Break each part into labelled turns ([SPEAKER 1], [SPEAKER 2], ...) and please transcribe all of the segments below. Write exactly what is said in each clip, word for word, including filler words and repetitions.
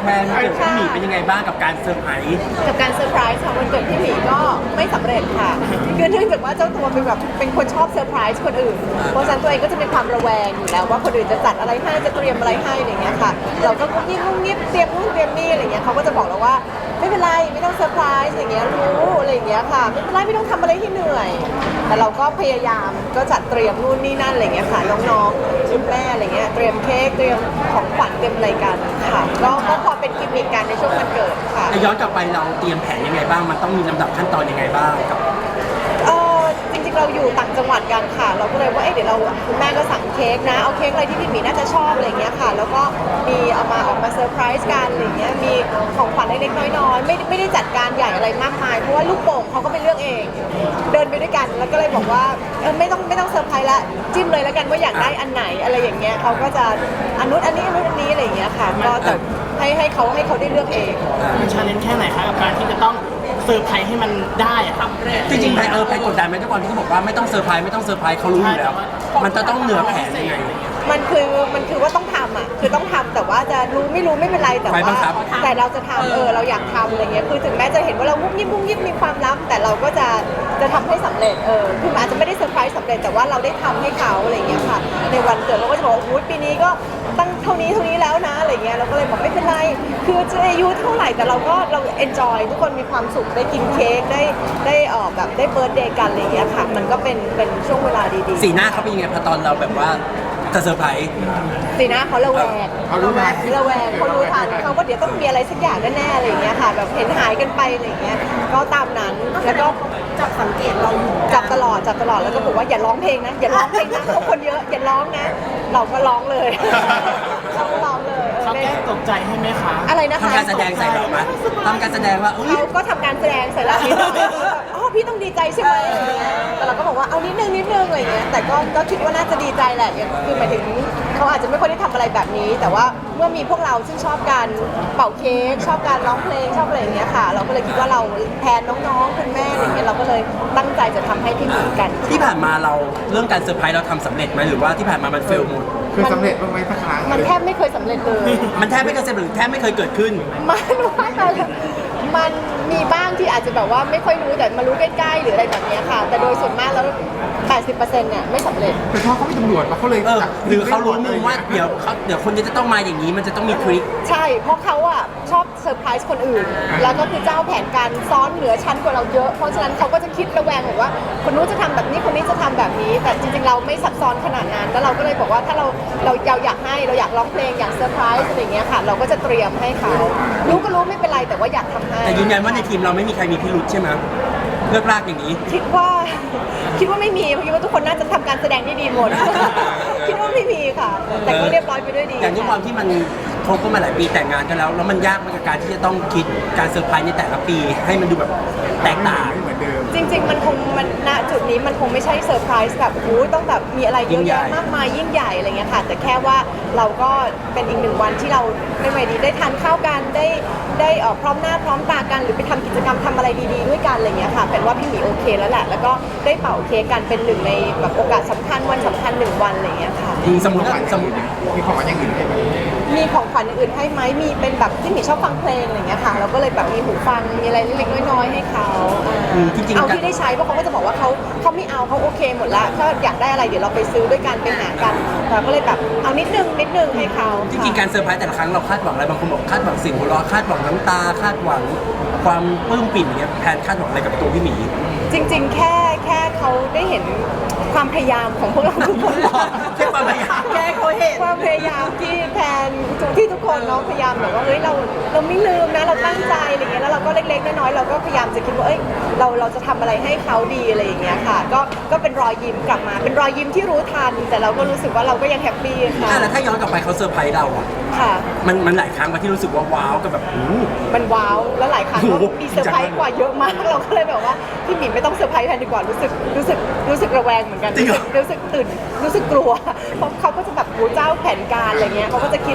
[SPEAKER 1] แพนเกิดพี่หมีเป็นยังไงบ้างกับการเซอร์ไพรส์
[SPEAKER 2] กับการเซอร์ไพรส์ของวันเกิดพี่หมีก็ไม่สำเร็จค่ะคือเนื่องจากว่าเจ้าตัวเป็นแบบเป็นคนชอบเซอร์ไพรส์คนอื่นเพราะฉะนั้นตัวเองก็จะมีความระแวงอยู่แล้วว่าคนอื่นจะจัดอะไรให้จะเตรียมอะไรให้อะไรเงี้ยค่ะเราก็ยิ่งงุ่งงิบเตรียมนู่นเตรียมนี่อะไรเงี้ยเขาก็จะบอกเราว่าไม่เป็นไรไม่ต้องเซอร์ไพรส์อย่างเงี้ยรู้อะไรอย่างเงี้ยค่ะไม่เป็นไรไม่ต้องทำอะไรที่เหนื่อยแต่เราก็พยายามก็จัดเตรียมนู่นนี่นั่นอะไรเงี้ยค่ะน้องๆคุณแม่อะไรเงี้ยเตรียมเค้กเตรียมของขวัญเตรียมอะไรกันค่ะก็ก็พอเป็นกิมมิคกันในช่วงวันเกิดค่ะ
[SPEAKER 1] ย้อนกลับไปเราเตรียมแผนยังไงบ้างมันต้องมีลำดับขั้นตอนยังไงบ้างกับ
[SPEAKER 2] เออจริงๆเราอยู่ต่างจังหวัดกันค่ะเราก็เลยว่าเอ๊ะเดี๋ยวเราคุณแม่ก็สั่งเค้กนะเอาเค้กอะไรที่พี่หมีน่าจะชอบอะไรเงี้ยค่ะแล้วก็มีเอามาออกมาเซอร์ไพรส์กันอะไรเงี้ยมีของขวัญเล็กๆน้อยๆไม่ไม่ได้จัดการใหญ่อะไรมากมายเพราะว่าลูกโป่งเขาก็ไปเลือกเองเดินไปด้วยกันแล้วก็เลยบอกว่าเออไม่ต้องไม่ต้องเซอร์ไพรส์ละจิ้มเลยแล้วกันว่าอยากได้อันไหนอะไรอย่างเงี้ยเขาก็จะอันนู้นอันนี้อันนู้นอันนี้อะไรเงี้ยค่ะก็แต่ให้ให้เขาให้เขาได้เลือกเอง
[SPEAKER 3] มันชาเลนจ์แค่ไหนคะกับการที่จะต้องเซอร์ไพรส์ให้มันได้อะครับ
[SPEAKER 1] จริงๆแพนเออแพนกดดันไหมทุกคนที่เขาบอกว่าไม่ต้องเซอร์ไพรส์ไม่ต้องเซอร์ไพรส์เขารู้อยู่แล้วมันจะต้องเหนือแผนยังไง
[SPEAKER 2] มันคือมันคือว่าต้องทำอ่ะคือต้องทำแต่ว่าจะรู้ไม่รู้ไม่เป็นไรแต่ว่าแต่เราจะทำเออเราอยากทำอะไรเงี้ยคือถึงแม้จะเห็นว่าเรามุ้งยิ้มมุ้งยิ้มมีความลับแต่เราก็จะจะทำให้สำเร็จเออคืออาจจะไม่ได้เซอร์ไพรส์สำเร็จแต่ว่าเราได้ทำให้เขาอะไรเงี้ยค่ะในวันเกิดเราก็จะบอกว่าปีนี้ก็ตั้งเท่านี้เท่านี้แล้วนะอะไรเงี้ยเราก็เลยบอกไม่เป็นไรคือจะอายุเท่าไหร่แต่เราก็เราเอนจอยทุกคนมีความสุขได้กินเค้กได้ได้เออแบบได้เบิร์ธเดย์กันอะไรเงี้ยค่ะมันก็เป็นเป็นช่วงเวลาดีๆ
[SPEAKER 1] สีหน้าเขาเป็นยังไงพอตอนเราแบบว่าจะเซอร์ไพรส์
[SPEAKER 2] สีหน้าเขาระแวง
[SPEAKER 4] เขารู้ทัน
[SPEAKER 2] ระแวงเขารู้ทันเขาก็เดี๋ยวต้องมีอะไรสักอย่างแน่ๆอะไรอย่างเงี้ยค่ะแบบเห็นหายกันไปอะไรอย่างเงี้ยก็ตามนั้นแล้วก็
[SPEAKER 5] จับสังเกตเราอยู่
[SPEAKER 2] จับตลอดจับตลอดแล้วก็บอกว่าอย่าร้องเพลงนะอย่าร้องเพลงนะเขาคนเยอะอย่าร้องนะเราก็ร้องเลยเราก็ร้องเลย
[SPEAKER 3] เขาแก้ตกใจให้ไหมคะ
[SPEAKER 2] อะไรนะคะ
[SPEAKER 1] ทำการแสดงใส่เราไหมทำการแสดงว่า
[SPEAKER 2] เขาก็ทำการแสดงใส่เรานิดหน่อยอ๋อพี่ต้องดีใจใช่ไหมแต่เราก็บอกว่าเอานิดนึงนิดนึงอะไรเงี้ยแต่ก็ก็คิดว่าน่าจะดีใจแหละคือหมายถึงเขาอาจจะไม่ค่อยได้ทำอะไรแบบนี้แต่ว่าเมื่อมีพวกเราซึ่งชอบการเป่าเค้กชอบการร้องเพลงชอบอะไรอย่างเงี้ยค่ะเราก็เลยคิดว่าเราแทนน้องๆคุณแม่อะไรเงี้ยเราก็เลยตั้งใจจะทำให้พี่หมีกัน
[SPEAKER 1] ที่ผ่านมาเราเรื่องการเซอร์ไพรส์เราทำสำเร็จไหมหรือว่าที่ผ่านมามันเฟลหมด
[SPEAKER 4] คือสำเร็จบ้างไหมสักครั้ง
[SPEAKER 2] มันแทบไม่เคยสำเร็จเลย
[SPEAKER 1] มันแทบไม่เคยสำเร็จแทบไม่เคยเกิดขึ้น
[SPEAKER 2] มันว่ามันมีบ้างที่อาจจะแบบว่าไม่ค่อยรู้แต่มารู้ใกล้ๆหรืออะไรแบบนี้ค่ะแต่โดยส่วนมากแล้วแปดสิบเปอร์เซ็นต์เนี่ยไม่สำเร็จ
[SPEAKER 4] เป็นเพราะเขาเป็นตำรวจปะเขาเลย
[SPEAKER 1] เออหรือเขารู้มุมว่าเดี๋ยวเขาเดี๋ยวคนนี้จะต้องมาอย่างนี้มันจะต้องมีทริค
[SPEAKER 2] ใช่เพราะเขาอ่ะชอบเซอร์ไพรส์คนอื่นแล้วก็คือเจ้าแผนการซ้อนเหนือชั้นกว่าเราเยอะเพราะฉะนั้นเขาก็จะคิดระแวงหรือว่าคนนู้นจะทำแบบนี้คนนี้จะทำแบบนี้แต่จริงๆเราไม่ซับซ้อนขนาดนั้นแล้วเราก็เลยบอกว่าถ้าเราเราเราอยากให้เราอยากร้องเพลงอยากเซอร์ไพรส์อะไรอย่างเงี้ยค่ะเราก็จะเตรียมให้เขารู้ก็รู้ไม่เป็นไรแต่ว่าอยากทำให้
[SPEAKER 1] แต่ยืนยันว่าในทีมเราไม่มีใครมีพิรุธใช่ไหมเลือกลากอย่างนี้
[SPEAKER 2] คิดว่าคิดว่าไม่มีเพราะคิดว่าทุกคนน่าจะทำการแสดงได้ดีหมดคิดว่าไม่มีค่ะแต่ก็เรียบร้อยไปด้วยดี
[SPEAKER 1] อย่างที่ความที่มันคบกันมาหลายปีแต่งงานกันแล้วแล้วมันยากมากกับการที่จะต้องคิดการเซอร์ไพรส์ในแต่ละปีให้มันดูแบบแตกต่าง
[SPEAKER 4] เหมือนเดิม
[SPEAKER 2] จริงๆมันคงมันณจุดนี้มันคงไม่ใช่เซอร์ไพรส์แบบโอ้ต้องแบบมีอะไรเยอะแยะมากมายยิ่งใหญ่อะไรเงี้ยค่ะแต่แค่ว่าเราก็เป็นอีกหนึ่งวันที่เราไม่ไหวดีได้ทานข้าวกันได้ได้ออกพร้อมหน้าพร้อมตากันหรือไปทำกิจกรรมทำอะไรดีๆด้วยกันอะไรเงี้ยค่ะเป็นว่าพี่หมีโอเคแล้วแหละแล้วก็ได้เป่าเค้กกันเป็นหนึ่งในแบบโอกาสสำคัญวันสำคัญหนึ่งวันอะไรเงี้ยค่ะ
[SPEAKER 1] สมมติสมมติ
[SPEAKER 4] มีของขวัญอย่างอื่นให้ไหม
[SPEAKER 2] มีของขวัญอย่างอื่นให้ไหมมีเป็นแบบที่หมีชอบฟังเพลงอะไรเงี้ยค่ะเราก็เลยแบบมีหูฟังมีอะไรเล็กๆน้อยๆให้เขาเอาที่ได้ใช้เพราะเขาก็จะบอกว่าเขาเขาไม่เอาเขาโอเคหมดละถ้าอยากได้อะไรเดี๋ยวเราไปซื้อด้วยกันไปหากันเราก็เลยแบบเอานิดนึงนิดนึงให้เขา
[SPEAKER 1] จริงๆการเซอร์ไพรส์แต่ละครั้งเราคาดหวังอะไรบางคนบอกคาดหวังเสียงหัวเราะคาดหวังน้ำตาคาดหวังความปลื้มปิ่มอย่างเงี้ยแทนคาดหวังอะไรกับตัวพี่หมี
[SPEAKER 2] จริงๆแค่แค่เขาได้เห็นความพยายามของพวกเราทุกคน
[SPEAKER 1] แค่ความพยายาม
[SPEAKER 2] แค่เขาเห็นความพยายามที่แทนที่ทุกคนเนาะพยายามแบบว่าเฮ้ยเราเราไม่ลืมนะเราตั้งใจอะไรเงี้ยแล้วเราก็เล็กๆน้อยๆเราก็พยายามจะคิดว่าเอ้ยเราเราจะทำอะไรให้เขาดีอะไรอย่างเงี้ยค่ะก็ก็เป็นรอยยิ้มกลับมาเป็นรอยยิ้มที่รู้ทันแต่เราก็รู้สึกว่าเราก็ยังแฮปปี้ค่ะ
[SPEAKER 1] แล้วถ้าย้อนกลับไปเขาเซอร์ไพรส์เราอ่ะ
[SPEAKER 2] ค่ะ
[SPEAKER 1] มันมันหลายครั้งมาที่รู้สึกว่าว้าวกับแบบ
[SPEAKER 2] มันว้าวแล้วหลายครั้งก็มีเซอร์ไพรส์กว่าเยอะมากเราก็เลยแบบว่าพี่หมีไม่ต้องเซอร์ไพรส์แทนดีกว่ารู้สึกรู้สึกรู้สึกระแวงเหมือนกันรู้สึกตื่นรู้สึกกลัวเพราะเขาก็จะแบบหูเจ้าแผนการอะไรเงี้ยเขาก็จะคิดคิด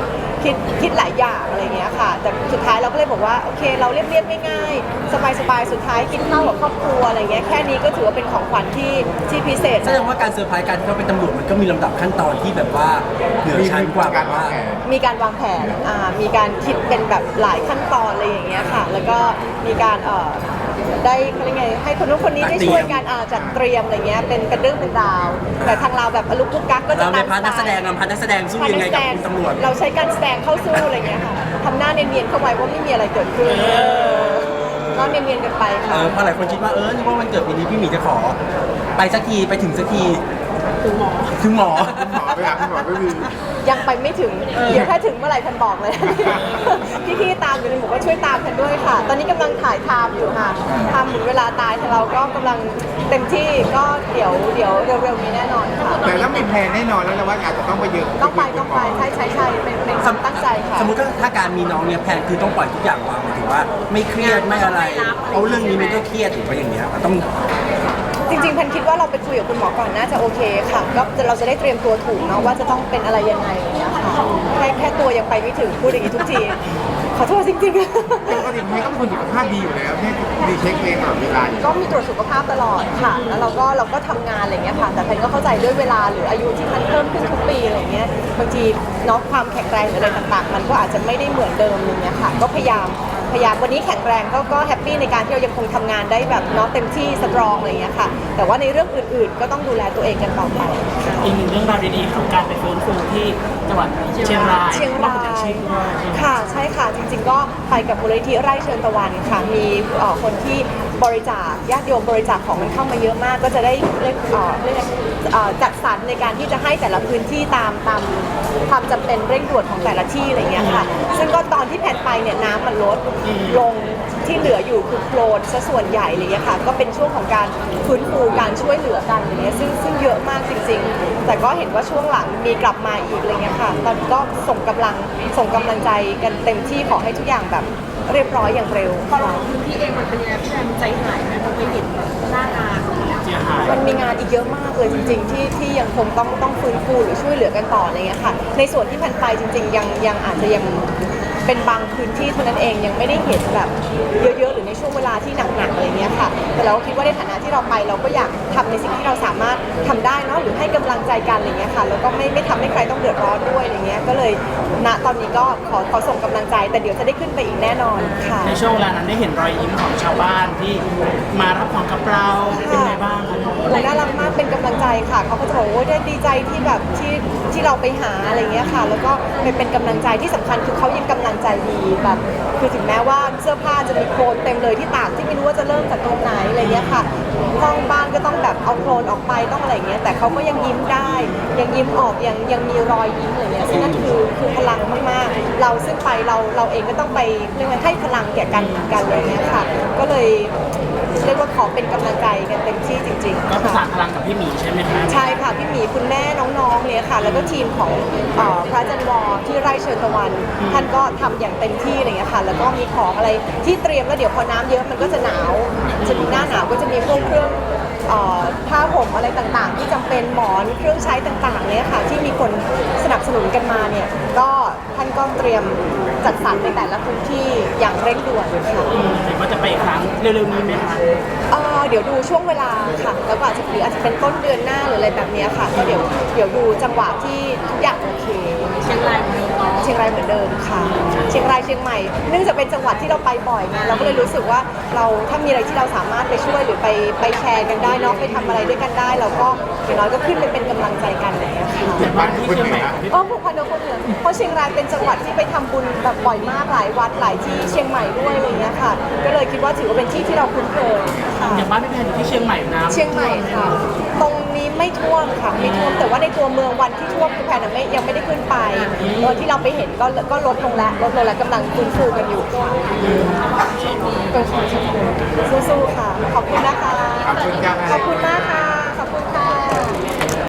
[SPEAKER 2] คิดคิดหลายอย่างอะไรเงี้ยค่ะแต่สุดท้ายเราก็เลยบอกว่าโอเคเราเรียบๆง่ายๆสบายๆสุดท้ายกินข้าวกับครอบครัวอะไรเงี้ยแค่นี้ก็ถือว่าเป็นของขวัญที่ที่พิเศษ
[SPEAKER 1] แสดงว่าการเซอร์ไพรส์การที่เขาเป็นตำรวจมันก็มีลำดับขั้นตอนที่แบบว่าเหนือชั้นกว่าแบบว่า
[SPEAKER 2] มีการวางแผนอ่ามีการคิดเป็นแบบหลายขั้นตอนอะไรอย่างเงี้ยค่ะ แล้วก็มีการเอ่อได้เขาเรียกไงให้คนนู้นคนนี้ได้ช่วยกันอ่าจัดเตรียมอะไรเงี้ยเป็นเป็นเรื่องเป็นราวแต่ทางเราแบบอลุกลุกกักก็จะ
[SPEAKER 1] เราใน
[SPEAKER 2] ตาม
[SPEAKER 1] พาร์ทนักแสดงเราพาร์ทนักแสดงสู้ยังไงกับคุณตำรวจ
[SPEAKER 2] เราใช้การแสดงเข้าสู้อะไรเงี้ยค่ะทำหน้าเนียนๆเข้าไว้ว่าไม่มีอะไรเกิดขึ้นก็เนียนๆกันไป
[SPEAKER 1] เอ
[SPEAKER 2] ค่ะ
[SPEAKER 1] อเพราะหลายคนคิดว่าเออนี่ว่าวันเกิดปีนี้พี่หมีจะขอ ไปสักทีไปถึงสักทีถึงหมอถึงหมอ
[SPEAKER 4] คุณหมอไปหาคุณหมอก็คือ
[SPEAKER 2] ยังไปไม่ถึง เดี๋ยวถ้าถึงเมื่อไหร่พันบอกเลย พี่ๆตามอยู่ในหมู่ก็ช่วยตามกันด้วยค่ะ ตอนนี้กำลังถ่ายทำอยู่ค่ะทำหมุนเวลาตายแต่เราก็กำลังเต็มที่ก็เดี๋ยวเดี๋ยวเร็วๆนี้แน่นอนค่ะ
[SPEAKER 4] แต่แล้วมีแพลนแน่นอนแล้วนะว่าอาจจะต้องไปเยอะ
[SPEAKER 2] ต้องไปต้องไปใช่ใช่ใช่เป็นเป็นความตั้งใจค่ะ
[SPEAKER 1] สมมติถ้าถ้าการมีน้องเนี่ยแพลนคือต้องปล่อยทุกอย่างวางหมายถึงว่าไม่เครียดไม่อะไรเพราะเรื่องนี้มันก็เครียดถูกไหมอย่างเงี้ยต้อง
[SPEAKER 2] จริงๆแพนคิดว่าเราไปคุยกับคุณหมอก่อนน่าจะโอเคค่ะก็เราจะได้เตรียมตัวถูกเนาะว่าจะต้องเป็นอะไรยังไงอย่างเงี้ยค่ะแค่แค่ตัวยังไปไม่ถึงพูดอย่างนี้ทุกทีขอโทษจริงๆ
[SPEAKER 4] ปกติแพทย์ก็เป็นคนสุขภาพดีอยู่แล้วแพทย์ดีเช็คเองตลอดเวลาอยู่
[SPEAKER 2] ก็มีตรวจสุขภาพตลอดค่ะ แล้วเราก็เราก็ทำงานอะไรเงี้ยค่ะ แต่แพนก็เข้าใจด้วยเวลาหรืออายุที่มันเพิ่มขึ้นทุกปีอะไรเงี้ย บางทีเนาะความแข็งแรงหรืออะไรต่างๆ มันก็อาจจะไม่ได้เหมือนเดิมอะไรเงี้ยค่ะ ก็พยายามพยายามวันนี้แข็งแรงก็ก็แฮปปี้ในการที่เรายังคงทำงานได้แบบเนาะเต็มที่สตรองอะไรเงี้ยค่ะ แต่ว่าในเรื่องอื่นๆ ก็ต้องดูแลตัวเองกันต่อไป
[SPEAKER 3] อีกหนึ่งเรื่องราวดีๆของการไปฟื้นฟูที่จังหวัดเชียงราย
[SPEAKER 2] เชียงราย
[SPEAKER 3] เชียงราย
[SPEAKER 2] ค่ะใช่ค่ะจริงๆก็ไปกับมูลนิธิไร่เชิญตะวันค่ะมีเอ่อคนที่บริจาคญาติโยมบริจาคของมันเข้ามาเยอะมาก ก็จะได้เรียกเอ่อเรียกเอ่อจัดสรรในการที่จะให้แต่ละพื้นที่ตามตามความจำเป็นเร่งด่วนของแต่ละที่อะไรเงี้ยค่ะซึ่งก็ตอนที่แผ่นไปเนี่ยน้ำมันลดลงที่เหลืออยู่คือโคลนซะส่วนใหญ่อะไรเลยค่ะก็เป็นช่วงของการฟื้นฟูการช่วยเหลือกันอะไรเงี้ยซึ่งซึ่งเยอะมากจริงๆ แต่ก็เห็นว่าช่วงหลังมีกลับมาอีกอะไรเงี้ยค่ะตอนนี้ก็ส่งกำลังส่งกำลังใจกันเต็มที่ขอให้ทุกอย่างแบบเรียบร้อยอย่างเร็ว
[SPEAKER 5] พอเราพื้นที่เองมันเป็นยังไงพี่แอมใจหายไหมพอไปเห็นหน้างาน
[SPEAKER 3] เสียหาย
[SPEAKER 2] มันมีงานอีกเยอะมากเลยจริงๆที่ที่ยังคงต้องต้องฟื้นฟูหรือช่วยเหลือกันต่ออะไรเงี้ยค่ะในส่วนที่พันไปจริงๆยังยังอาจจะยังเป็นบางพื้นที่เท่านั้นเองยังไม่ได้เห็นแบบเยอะๆหรือในช่วงเวลาที่หนักๆอะไรเงี้ยค่ะแต่เราก็คิดว่าในฐานะที่เราไปเราก็อยากทำในสิ่งที่เราสามารถทำได้เนาะหรือให้กำลังใจกันอะไรเงี้ยค่ะแล้วก็ไม่ไม่ทำให้ใครต้องเดือดร้อนด้วยอะไรเงี้ยก็เลยณตอนนี้ก็ขอขอส่งกำลังใจแต่เดี๋ยวจะได้ขึ้นไปอีกแน่นอนค่ะ
[SPEAKER 3] ในช่วงเวลานั้นได้เห็นรอยยิ้มของชาวบ้านที่มารับของกับเราเป็นไงบ้างคะ
[SPEAKER 2] โอ้น่ารักมากเป็นกำลังใจค่ะเขาก็จะบอกว่าโอ้ยได้ดีใจที่แบบที่ที่เราไปหาอะไรเงี้ยค่ะ แล้วก็เป็นเป็นกำลังใจที่สำคัญคือเขายังกำลังใจดีแบบคือถึงแม้ว่าเสื้อผ้าจะมีโคลนเต็มเลยที่ตากที่ไม่รู้ว่าจะเริ่มจากตรงไหนอะไรเงี้ยค่ะห้องบ้านก็ต้องแบบเอาโคลนออกไปต้องอะไรเงี้ยแต่เขาก็ยังยิ้มได้ ยังยิ้มออกยังยังมีรอยยิ้มอะไรเงี้ยซึ่งนั่นคือคือพลังมากๆ เราซึ่งไปเราเราเองก็ต้องไปเรียกว่าให้พลังแก่กันเหมือนกันเลยเนี้ยค่ะ ก็เลยเรียกว่าขอเป็นกำลังใจกันเต็มที่จริงๆ
[SPEAKER 3] ก็ประสา
[SPEAKER 2] ค่ะ
[SPEAKER 3] นพลังกับพี่หมีใช่ไหมคะ
[SPEAKER 2] ใช่ค่ะพี่หมีคุณแม่น้องๆเนี่ยค่ะ แล้วก็ทีมของเอ่อพระอาจันวรที่ไร่เชิญตะวัน ท่านก็ทำอย่างเต็มที่อะไรเงี้ยค่ะ แล้วก็มีของอะไรที่เตรียมแล้วเดี๋ยวพอน้ำเยอะมันก็จะหนาวจะมีหน้าหนาวก็จะมีพวกเครื่องเอ่อผ้าห่มอะไรต่างๆ ที่จำเป็นหมอนเครื่องใช้ต่างๆเนี่ยค่ะที่มีคนสนับสนุนกันมาเนี่ยก็ท่านก็เตรียมจัดสรรในแต่ละพื้นที่อย่างเร่งด่วนค่ะ
[SPEAKER 3] อืมเห็นว่าจะไปอีกครั้งเร็วๆนี้ไหมคะ
[SPEAKER 2] เอ่อเดี๋ยวดูช่วงเวลาค่ะ แล้วก็อาจจะหรืออาจจะเป็นต้นเดือนหน้าหรืออะไรแบบเนี้ยค่ะ ก็เดี๋ยวเดี๋ยวดูจังหวะที่ทุกอย่างโอเค
[SPEAKER 5] เชียงรายเหมือนเดิมเนาะ
[SPEAKER 2] เชียงรายเหมือนเดิมค่ะ เชียงรายเชียงใหม่ เนื่องจากเป็นจังหวัดที่เราไปบ่อยไงเราก็เลยรู้สึกว่าเราถ้ามีอะไรที่เราสามารถไปช่วยหรือไปไปแชร์กันได้เนาะไปทำอะไรด้วยกันได้ เราก็อย่างน้อยก็ขึ้นไปเป็นกำลังใจกันอะไรอย่างเลยค่ะ
[SPEAKER 3] แต่บ้านที่เชียงใหม่กับพี่
[SPEAKER 2] อ๋อผูกพันกับคนเหนือเพราะเชียงรายเป็นจังหวัดที่ไปทำบุญแบบบ่อยมากหลายวัดหลายที่เชียงใหม่ด้วยอะไรเงี้ยค่ะ ก็เลยคิดว่าถือว่าเป็นที่ที่เราคุ้นเคยค่ะ
[SPEAKER 3] อย่างบ้านพี่แพนอยู่ที่เชียงใหม่น้ำ
[SPEAKER 2] เชียงใหม่ค่ะ ตรงนี้ไม่ท่วมค่ะไม่ท่วมแต่ว่าในตัวเมืองวันที่ท่วมคือแพนนะไม่ยังไม่ได้ขึ้นไปเออที่เราไปเห็นก็ก็ลดลงแล้วลดลงแล้วกำลังฟื้นฟูกันอยู่ค่ะก็ขอขอบคุณสู้ๆค่ะ ขอบคุณนะคะ
[SPEAKER 4] ขอบคุณจ้า
[SPEAKER 2] ขอบคุณมากค่ะ